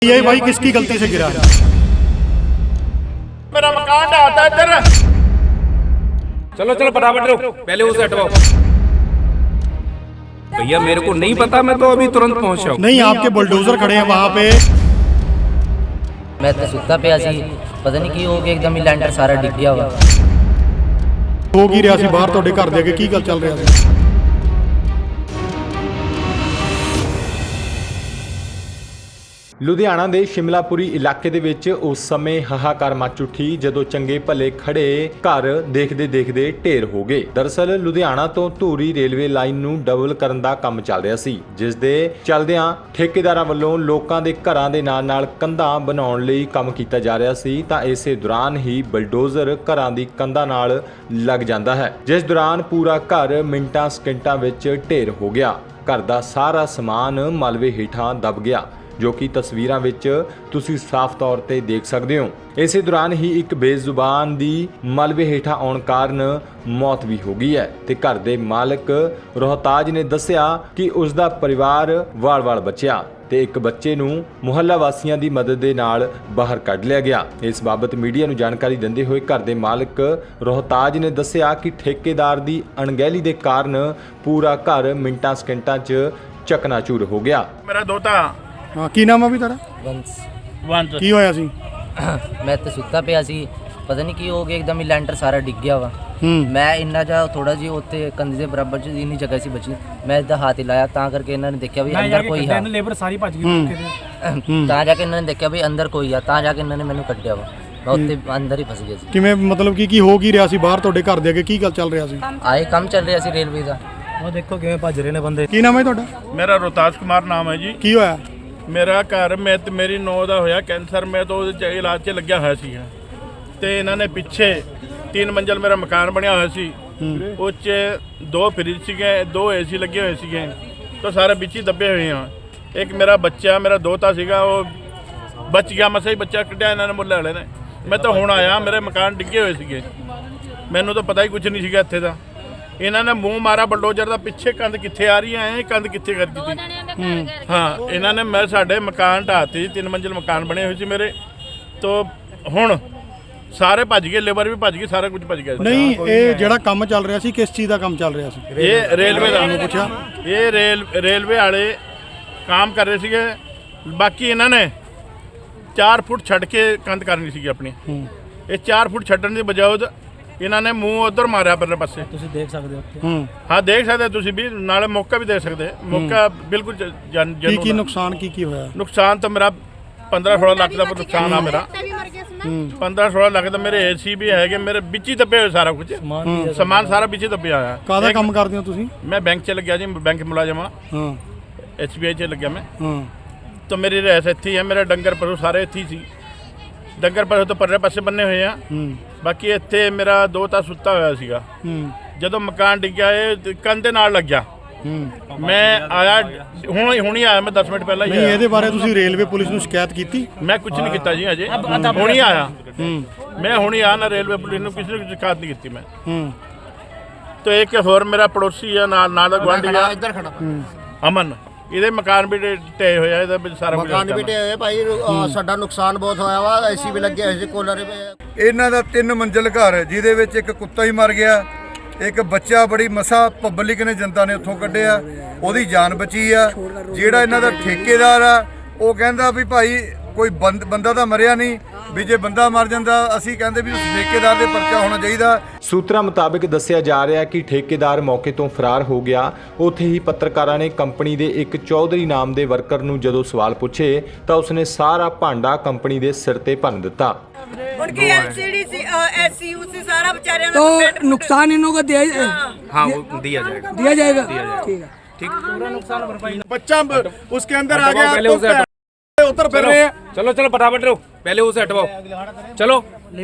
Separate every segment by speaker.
Speaker 1: ये भाई किसकी गलती से गिरा है?
Speaker 2: मेरा मकान ढाता इधर।
Speaker 3: चलो चलो फटाफट लो, पहले उसे हटवाओ। भैया मेरे को नहीं पता, मैं तो अभी तुरंत पहुंचा हूँ।
Speaker 1: नहीं, आपके बुलडोजर खड़े हैं वहाँ पे।
Speaker 4: मैं तो सुता पिया सी, पता नहीं की हो गया, एकदम ही लैंटर सारा डिग गया वा।
Speaker 1: हो की ਰਿਹਾ ਸੀ ਬਾਹਰ ਤੁਹਾਡੇ ਘਰ ਦੇ ਅੱਗੇ ਕੀ ਗੱਲ ਚੱਲ ਰਿਹਾ ਸੀ?
Speaker 5: ਲੁਧਿਆਣਾ ਦੇ ਸ਼ਿਮਲਾਪੁਰੀ ਇਲਾਕੇ ਦੇ ਵਿੱਚ ਉਸ ਸਮੇਂ ਹਾਹਾਕਾਰ ਮਚ ਉੱਠੀ ਜਦੋਂ ਚੰਗੇ ਭਲੇ ਖੜੇ ਘਰ ਦੇਖਦੇ ਢੇਰ ਹੋ ਗਏ। ਦਰਅਸਲ ਲੁਧਿਆਣਾ ਤੋਂ ਧੂਰੀ ਰੇਲਵੇ ਲਾਈਨ ਨੂੰ ਡਬਲ ਕਰਨ ਦਾ ਕੰਮ ਚੱਲ ਰਿਹਾ ਸੀ, ਜਿਸ ਦੇ ਚੱਲਦਿਆਂ ਠੇਕੇਦਾਰਾਂ ਵੱਲੋਂ ਲੋਕਾਂ ਦੇ ਘਰਾਂ ਦੇ ਨਾਲ ਕੰਧਾਂ ਬਣਾਉਣ ਲਈ ਕੰਮ ਕੀਤਾ ਜਾ ਰਿਹਾ ਸੀ ਤਾਂ ਇਸੇ ਦੌਰਾਨ ਹੀ ਬਲਡੋਜ਼ਰ ਘਰਾਂ ਦੀ ਕੰਧਾਂ ਨਾਲ ਲੱਗ ਜਾਂਦਾ ਹੈ, ਜਿਸ ਦੌਰਾਨ ਪੂਰਾ ਘਰ ਮਿੰਟਾਂ ਸਕਿੰਟਾਂ ਵਿੱਚ ਢੇਰ ਹੋ ਗਿਆ। ਘਰ ਦਾ ਸਾਰਾ ਸਮਾਨ ਮਲਬੇ ਹੇਠਾਂ ਦਬ ਗਿਆ, ਜੋ ਕਿ ਤਸਵੀਰਾਂ ਵਿੱਚ ਤੁਸੀਂ ਸਾਫ਼ ਤੌਰ ਤੇ ਦੇਖ ਸਕਦੇ ਹੋ। ਇਸੇ ਦੌਰਾਨ ਹੀ ਇੱਕ ਬੇਜ਼ੁਬਾਨ ਦੀ ਮਲਬੇ ਹੇਠਾਂ ਆਉਣ ਕਾਰਨ ਮੌਤ ਵੀ ਹੋ ਗਈ ਹੈ ਤੇ ਘਰ ਦੇ ਮਾਲਕ ਰੋਹਤਾਜ ਨੇ ਦੱਸਿਆ ਕਿ ਉਸ ਦਾ ਪਰਿਵਾਰ ਵਾਲ-ਵਾਲ ਬਚਿਆ ਤੇ ਇੱਕ ਬੱਚੇ ਨੂੰ ਮੁਹੱਲਾ ਵਾਸੀਆਂ ਦੀ ਮਦਦ ਦੇ ਨਾਲ ਬਾਹਰ ਕੱਢ ਲਿਆ ਗਿਆ। ਇਸ ਬਾਬਤ ਮੀਡੀਆ ਨੂੰ ਜਾਣਕਾਰੀ ਦਿੰਦੇ ਹੋਏ ਘਰ ਦੇ ਮਾਲਕ ਰੋਹਤਾਜ ਨੇ ਦੱਸਿਆ ਕਿ ਠੇਕੇਦਾਰ ਦੀ ਅਣਗਹਿਲੀ ਦੇ ਕਾਰਨ ਪੂਰਾ ਘਰ ਮਿੰਟਾਂ ਸਕਿੰਟਾਂ 'ਚ ਚਕਨਾਚੂਰ ਹੋ ਗਿਆ।
Speaker 2: ਮੇਰਾ ਦੋਤਾ
Speaker 1: ਹਾਂ, ਕੀ ਨਾਮ ਆ ਵੀ ਤੁਹਾਡਾ?
Speaker 2: ਵੰਸ
Speaker 1: ਕੀ ਹੋਇਆ ਸੀ?
Speaker 4: ਮੈਂ ਤਾਂ ਸੁੱਤਾ ਪਿਆ ਸੀ, ਪਤਾ ਨਹੀਂ ਕੀ ਹੋ ਗਿਆ, एकदम ही ਲੈਂਟਰ ਸਾਰਾ ਡਿੱਗ ਗਿਆ ਵਾ। ਮੈਂ ਇੰਨਾ ਜਿਹਾ ਥੋੜਾ ਜਿਹਾ ਉੱਤੇ ਕੰਧ ਦੇ ਬਰਾਬਰ ਚ ਇੰਨੀ ਜਗ੍ਹਾ ਸੀ ਬਚੀ, ਮੈਂ ਇੱਦਾਂ ਹੱਥ ਹਿਲਾਇਆ ਤਾਂ ਕਰਕੇ ਇਹਨਾਂ ਨੇ ਦੇਖਿਆ ਵੀ ਅੰਦਰ ਕੋਈ ਹੈ।
Speaker 6: ਲੇਬਰ ਸਾਰੀ ਭੱਜ ਗਈ
Speaker 4: ਤਾਂ ਜਾ ਕੇ ਇਹਨਾਂ ਨੇ ਦੇਖਿਆ ਵੀ ਅੰਦਰ ਕੋਈ ਆ, ਤਾਂ ਜਾ ਕੇ ਇਹਨਾਂ ਨੇ ਮੈਨੂੰ ਕੱਢਿਆ ਵਾ। ਮੈਂ ਉੱਤੇ ਅੰਦਰ ਹੀ ਫਸ ਗਿਆ ਸੀ।
Speaker 1: ਕਿਵੇਂ ਮਤਲਬ ਕੀ ਹੋ ਕੀ ਰਿਹਾ ਸੀ ਬਾਹਰ ਤੁਹਾਡੇ ਘਰ ਦੇ ਅੱਗੇ ਕੀ ਗੱਲ ਚੱਲ ਰਿਹਾ ਸੀ?
Speaker 4: ਆਏ ਕੰਮ ਚੱਲ ਰਿਹਾ ਸੀ ਰੇਲਵੇ ਦਾ।
Speaker 6: ਉਹ ਦੇਖੋ ਕਿਵੇਂ ਭੱਜ ਰਹੇ ਨੇ ਬੰਦੇ।
Speaker 1: ਕੀ ਨਾਮ ਹੈ ਤੁਹਾਡਾ?
Speaker 2: ਮੇਰਾ ਰੋਹਤਾਜ ਕੁਮਾਰ ਨਾਮ ਹੈ ਜੀ।
Speaker 1: ਕੀ ਹੋਇਆ?
Speaker 2: ਮੇਰਾ ਘਰ ਮੈਂ ਤੇ ਮੇਰੀ ਨੌਂ ਦਾ ਹੋਇਆ ਕੈਂਸਰ, ਮੈਂ ਤਾਂ ਉਹਦੇ 'ਚ ਇਲਾਜ 'ਚ ਲੱਗਿਆ ਹੋਇਆ ਸੀ ਤੇ ਇਹਨਾਂ ਨੇ ਪਿੱਛੇ 3 ਮੰਜ਼ਲ ਮੇਰਾ ਮਕਾਨ ਬਣਿਆ ਹੋਇਆ ਸੀ, ਉਹ 'ਚ 2 ਫਰਿੱਜ ਸੀਗੇ, 2 ਏਸੀ ਲੱਗੇ ਹੋਏ ਸੀਗੇ, ਤਾਂ ਸਾਰੇ ਵਿੱਚ ਹੀ ਦੱਬੇ ਹੋਏ ਆ। ਇੱਕ ਮੇਰਾ ਬੱਚਾ, ਮੇਰਾ ਦੋਤਾ ਸੀਗਾ, ਉਹ ਬਚ ਗਿਆ, ਮਸਾਂ ਹੀ ਬੱਚਾ ਕੱਢਿਆ ਇਹਨਾਂ ਨੇ ਮੁੱਲੇ ਵਾਲੇ ਨੇ। ਮੈਂ ਤਾਂ ਹੁਣ ਆਇਆ, ਮੇਰੇ ਮਕਾਨ ਡਿੱਗੇ ਹੋਏ ਸੀਗੇ, ਮੈਨੂੰ ਤਾਂ ਪਤਾ ਹੀ ਕੁਝ ਨਹੀਂ ਸੀਗਾ ਇੱਥੇ ਦਾ। ਇਹਨਾਂ ਨੇ ਮੂੰਹ ਮਾਰਾ ਬਲਡੋਜ਼ਰ ਦਾ, ਪਿੱਛੇ ਕੰਧ ਕਿੱਥੇ ਆ ਰਹੀ ਹੈ, ਕੰਧ ਕਿੱਥੇ ਕਰ ਦਿੱਤੀ। ਹਾਂ, ਇਹਨਾਂ ਨੇ ਮੈਂ ਸਾਡੇ ਮਕਾਨ ਢਾਤੇ, 3 ਮੰਜ਼ਿਲ ਮਕਾਨ ਬਣੇ ਹੋਏ ਸੀ ਮੇਰੇ, ਤੋਂ ਹੁਣ ਸਾਰੇ ਭੱਜ ਗਏ, ਲੇਬਰ ਵੀ ਭੱਜ ਗਈ, ਸਾਰਾ ਕੁਝ ਭੱਜ ਗਿਆ।
Speaker 1: ਨਹੀਂ, ਇਹ ਜਿਹੜਾ ਕੰਮ ਚੱਲ ਰਿਹਾ ਸੀ ਕਿਸ ਚੀਜ਼ ਦਾ ਕੰਮ ਚੱਲ ਰਿਹਾ ਸੀ?
Speaker 2: ਇਹ ਰੇਲਵੇ ਦਾ
Speaker 1: ਪੁੱਛਿਆ।
Speaker 2: ਇਹ ਰੇਲਵੇ ਵਾਲੇ ਕੰਮ ਕਰ ਰਹੇ ਸੀਗੇ, ਬਾਕੀ ਇਹਨਾਂ ਨੇ 4 ਫੁੱਟ ਛੱਡ ਕੇ ਕੰਧ ਕਰਨੀ ਸੀਗੀ ਆਪਣੀ। ਇਹ 4 ਫੁੱਟ ਛੱਡਣ ਦੀ ਬਜਾਏ ਇਹਨਾਂ ਨੇ ਮੂੰਹ ਉਧਰ ਮਾਰਿਆ ਪਰਲੇ ਪਾਸੇ।
Speaker 6: ਤੁਸੀਂ ਦੇਖ ਸਕਦੇ ਹੋ।
Speaker 2: ਹਾਂ, ਦੇਖ ਸਕਦੇ ਤੁਸੀਂ ਵੀ, ਨਾਲੇ ਮੌਕਾ ਵੀ ਦੇਖ ਸਕਦੇ। ਮੌਕਾ ਬਿਲਕੁਲ
Speaker 1: ਕੀ ਨੁਕਸਾਨ ਕੀ ਹੋਇਆ?
Speaker 2: ਨੁਕਸਾਨ ਤਾਂ ਮੇਰਾ 15-16 ਲੱਖ ਦਾ ਨੁਕਸਾਨ ਆ ਮੇਰਾ। 15-16 ਲੱਖ ਦਾ ਮੇਰੇ ਏਸੀ ਵੀ ਹੈਗੇ, ਮੇਰੇ ਵਿੱਚ ਹੀ ਦੱਬੇ ਹੋਏ ਸਾਰਾ ਕੁਝ, ਸਮਾਨ ਸਾਰਾ ਵਿੱਚ ਹੀ ਦੱਬਿਆ ਹੋਇਆ।
Speaker 1: ਕਾਹਦਾ ਕੰਮ ਕਰਦੇ ਹੋ ਤੁਸੀਂ?
Speaker 2: ਮੈਂ ਬੈਂਕ 'ਚ ਲੱਗਿਆ ਜੀ, ਬੈਂਕ ਮੁਲਾਜ਼ਮ ਆ।
Speaker 1: ਹਾਂ,
Speaker 2: SBI 'ਚ ਲੱਗਿਆ ਮੈਂ। ਤਾਂ ਮੇਰੀ ਰਹਿਸ ਇੱਥੇ ਹੀ ਹੈ, ਮੇਰੇ ਡੰਗਰ ਪਸ਼ੂ ਸਾਰੇ ਇੱਥੇ ਹੀ ਸੀ। ਡੰਗਰ ਪਸ਼ੂ ਤਾਂ ਪਰਲੇ ਪਾਸੇ ਬੰਨੇ ਹੋਏ ਆ, ਬਾਕੀ ਇੱਥੇ ਮੇਰਾ ਦੋਤਾ ਸੁੱਤਾ ਹੋਇਆ ਸੀਗਾ। ਜਦੋਂ ਮਕਾਨ ਡਿੱਗਿਆ, ਇਹ ਕੰਧ ਦੇ ਨਾਲ ਲੱਗਿਆ। ਮੈਂ ਆਇਆ ਹੁਣ ਹੀ ਆਇਆ, ਮੈਂ 10 ਮਿੰਟ ਪਹਿਲਾਂ ਹੀ
Speaker 1: ਨਹੀਂ,
Speaker 2: ਆਇਆ।
Speaker 1: ਇਹਦੇ ਬਾਰੇ ਤੁਸੀਂ ਰੇਲਵੇ ਪੁਲਿਸ ਨੂੰ ਸ਼ਿਕਾਇਤ ਕੀਤੀ?
Speaker 2: ਮੈਂ ਕੁਝ ਨਹੀਂ ਕੀਤਾ ਜੀ ਅਜੇ, ਹੁਣ ਹੀ ਆਇਆ। ਮੈਂ ਹੁਣ ਹੀ ਆਇਆ ਨਾ, ਰੇਲਵੇ ਪੁਲਿਸ ਨੂੰ ਕਿਸੇ ਨੂੰ ਸ਼ਿਕਾਇਤ ਨਹੀਂ ਕੀਤੀ ਮੈਂ। ਤਾਂ ਇੱਕ ਹੋਰ ਮੇਰਾ ਪੜੋਸੀ ਆ, ਨਾਲ ਦਾ ਗੁਆਂਢੀ ਆ, ਇੱਧਰ ਖੜਾ ਅਮਨ, ਇਹਦੇ ਮਕਾਨ ਵੀ ਢੇ ਹੋਇਆ, ਇਹਦਾ ਸਾਰਾ ਕੁਝ
Speaker 7: ਮਕਾਨ ਵੀ ਢੇ ਹੋਏ ਭਾਈ। ਸਾਡਾ ਨੁਕਸਾਨ ਬਹੁਤ ਹੋਇਆ ਵਾ, ਏਸੀ ਵੀ ਲੱਗੇ ਹੋਏ ਸੀ, ਕੂਲਰ ਵੀ।
Speaker 8: ਇਹਨਾਂ ਦਾ 3 ਮੰਜ਼ਿਲ ਘਰ ਹੈ, ਜਿਹਦੇ ਵਿੱਚ ਇੱਕ ਕੁੱਤਾ ਹੀ ਮਰ ਗਿਆ, ਇੱਕ ਬੱਚਾ ਬੜੀ ਮਸਾ ਪਬਲਿਕ ਨੇ, ਜਨਤਾ ਨੇ ਉੱਥੋਂ ਕੱਢਿਆ, ਉਹਦੀ ਜਾਨ ਬਚੀ ਆ। ਜਿਹੜਾ ਇਹਨਾਂ ਦਾ ਠੇਕੇਦਾਰ ਆ, ਉਹ ਕਹਿੰਦਾ ਵੀ ਭਾਈ ਕੋਈ ਬੰਦਾ ਤਾਂ ਮਰਿਆ ਨਹੀਂ, ਵੀ ਜੇ ਬੰਦਾ ਮਰ ਜਾਂਦਾ ਅਸੀਂ ਕਹਿੰਦੇ ਵੀ ਉਸ ਠੇਕੇਦਾਰ ਦੇ ਪਰਚਾ ਹੋਣਾ ਚਾਹੀਦਾ।
Speaker 5: ਸੂਤਰਾਂ ਮੁਤਾਬਕ ਦੱਸਿਆ ਜਾ ਰਿਹਾ ਕਿ ਠੇਕੇਦਾਰ ਮੌਕੇ ਤੋਂ ਫਰਾਰ ਹੋ ਗਿਆ। ਉੱਥੇ ਹੀ ਪੱਤਰਕਾਰਾਂ ਨੇ ਕੰਪਨੀ ਦੇ ਇੱਕ ਚੌਧਰੀ ਨਾਮ ਦੇ ਵਰਕਰ ਨੂੰ ਜਦੋਂ ਸਵਾਲ ਪੁੱਛੇ ਤਾਂ ਉਸਨੇ ਸਾਰਾ ਭਾਂਡਾ ਕੰਪਨੀ ਦੇ ਸਿਰ ਤੇ ਭੰਨ ਦਿੱਤਾ।
Speaker 9: उनकी LCD SCU से सारा बेचारे
Speaker 6: तो नुकसान इन लोगों को दिया,
Speaker 3: हाँ वो दिया जाएगा।
Speaker 6: ठीक है,
Speaker 3: ठीक, पूरा नुकसान भरपाई।
Speaker 1: बच्चा उसके अंदर आ गया,
Speaker 3: पहले उसे
Speaker 1: उतर फिर रहे हैं।
Speaker 3: चलो चलो फटाफट लो, पहले उसे हटवाओ। चलो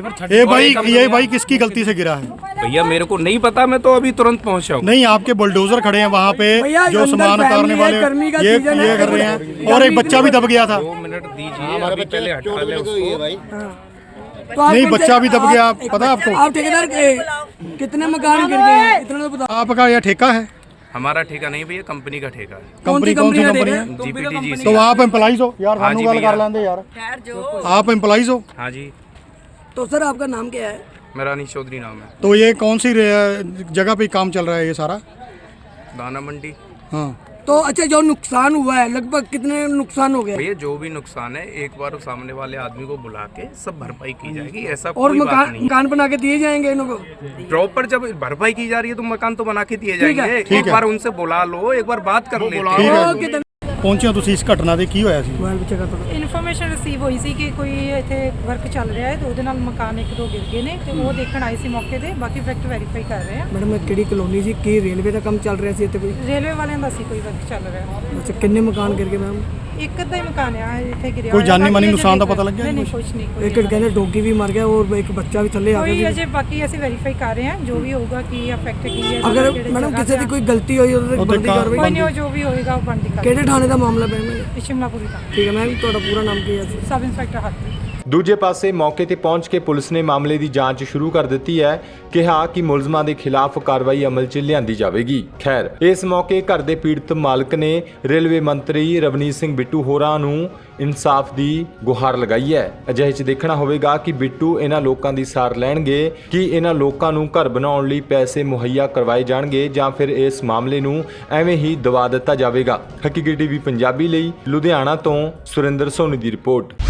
Speaker 1: ये भाई किसकी गलती से गिरा है?
Speaker 3: भैया मेरे को नहीं पता, मैं तो अभी तुरंत पहुंचा हूँ।
Speaker 1: नहीं, आपके बुलडोजर खड़े हैं वहाँ पे, जो सामान उतारने वाले ये कर रहे हैं, और एक बच्चा भी दब गया था।
Speaker 3: 2 मिनट दीजिए, अभी पहले हटा ले उसको।
Speaker 1: नहीं, बच्चा भी दब गया, पता है आपको?
Speaker 6: आप ठेकेदार के कितने मकान गिर गए हैं, इतना तो बता।
Speaker 1: आपका यह ठेका है?
Speaker 3: हमारा ठेका नहीं भैया, कंपनी का ठेका है।
Speaker 1: कंपनी कौन सी कंपनी है?
Speaker 3: जीपीटीजीसी।
Speaker 1: तो आप एम्प्लॉइज हो यार,
Speaker 3: हाँ
Speaker 1: सानू
Speaker 3: जी
Speaker 1: गल
Speaker 3: भैया।
Speaker 1: कर लेंदे यार।
Speaker 9: ठहर जो
Speaker 1: आप एम्प्लॉइज हो?
Speaker 3: हाँ जी,
Speaker 6: तो सर आपका नाम क्या है?
Speaker 3: मेरा अनिश चौधरी नाम है।
Speaker 1: तो ये कौन सी जगह पे काम चल रहा है ये सारा?
Speaker 3: दाना मंडी।
Speaker 1: हाँ,
Speaker 6: तो अच्छा, जो नुकसान हुआ है लगभग कितने नुकसान हो गया?
Speaker 3: भैया जो भी नुकसान है एक बार सामने वाले आदमी को बुला के सब भरपाई की जाएगी, ऐसा
Speaker 6: और
Speaker 3: कोई बात
Speaker 6: मकान
Speaker 3: नहीं है।
Speaker 6: मकान बना के दिए जाएंगे इनको?
Speaker 3: प्रॉपर जब भरपाई की जा रही है तो मकान तो बना के दिए
Speaker 6: ठीक है,
Speaker 3: जाएंगे।
Speaker 1: ठीक
Speaker 3: एक
Speaker 1: है।
Speaker 3: बार उनसे बुला लो, एक बार बात कर लेते
Speaker 1: ठीक
Speaker 3: हैं।
Speaker 1: है।
Speaker 6: ओके,
Speaker 1: ਪਹੁੰਚੇ ਹੋ ਤੁਸੀਂ ਇਸ ਘਟਨਾ ਦੇ, ਕੀ ਹੋਇਆ ਸੀ?
Speaker 6: मोबाइल पीछे कर दो।
Speaker 10: ਇਨਫੋਰਮੇਸ਼ਨ ਰਿਸੀਵ ਹੋਈ ਸੀ ਕਿ ਕੋਈ ਇੱਥੇ ਵਰਕ ਚੱਲ ਰਿਹਾ ਹੈ ਤੇ ਉਹਦੇ ਨਾਲ ਮਕਾਨ ਇੱਕ ਦੋ ਗਿਰ ਗਏ ਨੇ ਤੇ ਉਹ ਦੇਖਣ ਆਏ ਸੀ ਮੌਕੇ ਤੇ। ਬਾਕੀ ਫੈਕਟ ਵੈਰੀਫਾਈ ਕਰ ਰਹੇ ਆ।
Speaker 6: ਮੈਡਮ ਇਹ ਕਿਹੜੀ ਕਲੋਨੀ ਸੀ? ਕੀ ਰੇਲਵੇ ਦਾ ਕੰਮ ਚੱਲ ਰਿਹਾ ਸੀ ਇੱਥੇ ਕੋਈ?
Speaker 10: ਰੇਲਵੇ ਵਾਲਿਆਂ ਦਾ ਸੀ ਕੋਈ ਵਰਕ ਚੱਲ ਰਿਹਾ।
Speaker 6: ਅੱਛਾ, ਕਿੰਨੇ ਮਕਾਨ ਗਿਰ ਗਏ ਮੈਮ?
Speaker 10: ਇੱਕ ਅੱਧਾ ਹੀ ਮਕਾਨ ਆ ਇੱਥੇ ਗਿਰਿਆ
Speaker 1: ਕੋਈ
Speaker 10: ਹੋਇਆ।
Speaker 1: ਜਾਨੀ
Speaker 10: ਬਾਕੀ
Speaker 1: ਮਾਨੀ
Speaker 10: ਅਜੇ
Speaker 1: ਨੁਕਸਾਨ ਦਾ
Speaker 10: ਦੇਖ
Speaker 1: ਪਤਾ ਲੱਗਿਆ
Speaker 10: ਨਹੀਂ, ਨਹੀਂ
Speaker 1: ਕੁਛ?
Speaker 10: ਕੁਛ ਨਹੀਂ, ਕੋਈ
Speaker 6: ਇੱਕ ਕਹਿੰਦੇ ਡੋਗੀ ਵੀ ਮਰ ਗਿਆ ਔਰ ਇੱਕ ਬੱਚਾ ਵੀ ਥੱਲੇ ਆ
Speaker 10: ਕੋਈ
Speaker 6: ਗਿਆ
Speaker 10: ਅਜੇ ਬਾਕੀ ਅਸੀਂ ਵੈਰੀਫਾਈ ਕਰ ਰਹੇ ਹਾਂ। ਜੋ ਵੀ ਹੋਊਗਾ ਕੀ ਅਫੈਕਟ ਕੀ ਹੈ,
Speaker 6: ਅਗਰ
Speaker 10: ਕਿਹੜੇ
Speaker 6: ਮੈਡਮ
Speaker 10: ਜਗ੍ਹਾ
Speaker 6: ਕਿਸੇ ਦੀ
Speaker 10: ਤੇ
Speaker 6: ਕੋਈ ਗਲਤੀ ਹੋਈ ਉਹਦੇ ਤੇ
Speaker 1: ਉਹਦੇ
Speaker 6: ਬਣਦੀ ਕਾਰਵਾਈ?
Speaker 10: ਕੋਈ ਨਹੀਂ, ਉਹ ਜੋ ਵੀ ਹੋਏਗਾ ਉਹ ਬਣਦੀ ਕਰ।
Speaker 6: ਕਿਹੜੇ ਥਾਣੇ ਦਾ ਮਾਮਲਾ ਪਿਆ ਮੈਮ?
Speaker 10: ਸ਼ਿਮਲਾਪੁਰੀ ਦਾ
Speaker 6: ਠੀਕ ਹੈ ਮੈਮ, ਤੁਹਾਡਾ ਪੂਰਾ ਨਾਮ ਕੀ ਹੈ?
Speaker 10: ਸਬ ਇੰਸਪੈਕਟਰ ਹੱਥ।
Speaker 5: ਦੂਜੇ ਪਾਸੇ ਮੌਕੇ ਤੇ ਪਹੁੰਚ ਕੇ ਪੁਲਿਸ ਨੇ ਮਾਮਲੇ ਦੀ ਜਾਂਚ ਸ਼ੁਰੂ ਕਰ ਦਿੱਤੀ ਹੈ। ਕਿਹਾ ਕਿ ਮੁਲਜ਼ਮਾਂ ਦੇ ਖਿਲਾਫ ਕਾਰਵਾਈ ਅਮਲ 'ਚ ਲਿਆਂਦੀ ਜਾਵੇਗੀ। ਖੈਰ, ਇਸ ਮੌਕੇ ਘਰ ਦੇ ਪੀੜਤ ਮਾਲਕ ਨੇ ਰੇਲਵੇ ਮੰਤਰੀ ਰਵਨੀਤ ਸਿੰਘ ਬਿੱਟੂ ਹੋਰਾਂ ਨੂੰ ਇਨਸਾਫ ਦੀ ਗੁਹਾਰ ਲਗਾਈ ਹੈ। ਅਜਿਹੇ 'ਚ ਦੇਖਣਾ ਹੋਵੇਗਾ ਕਿ ਬਿੱਟੂ ਇਹਨਾਂ ਲੋਕਾਂ ਦੀ ਸਾਰ ਲੈਣਗੇ ਕਿ ਇਹਨਾਂ ਲੋਕਾਂ ਨੂੰ ਘਰ ਬਣਾਉਣ ਲਈ ਪੈਸੇ ਮੁਹੱਈਆ ਕਰਵਾਏ ਜਾਣਗੇ ਜਾਂ ਫਿਰ ਇਸ ਮਾਮਲੇ ਨੂੰ ਐਵੇਂ ਹੀ ਦਬਾ ਦਿੱਤਾ ਜਾਵੇਗਾ। ਹਕੀਕੀ ਟੀਵੀ ਪੰਜਾਬੀ ਲਈ ਲੁਧਿਆਣਾ ਤੋਂ ਸੁਰਿੰਦਰ ਸੋਨੀ ਦੀ ਰਿਪੋਰਟ।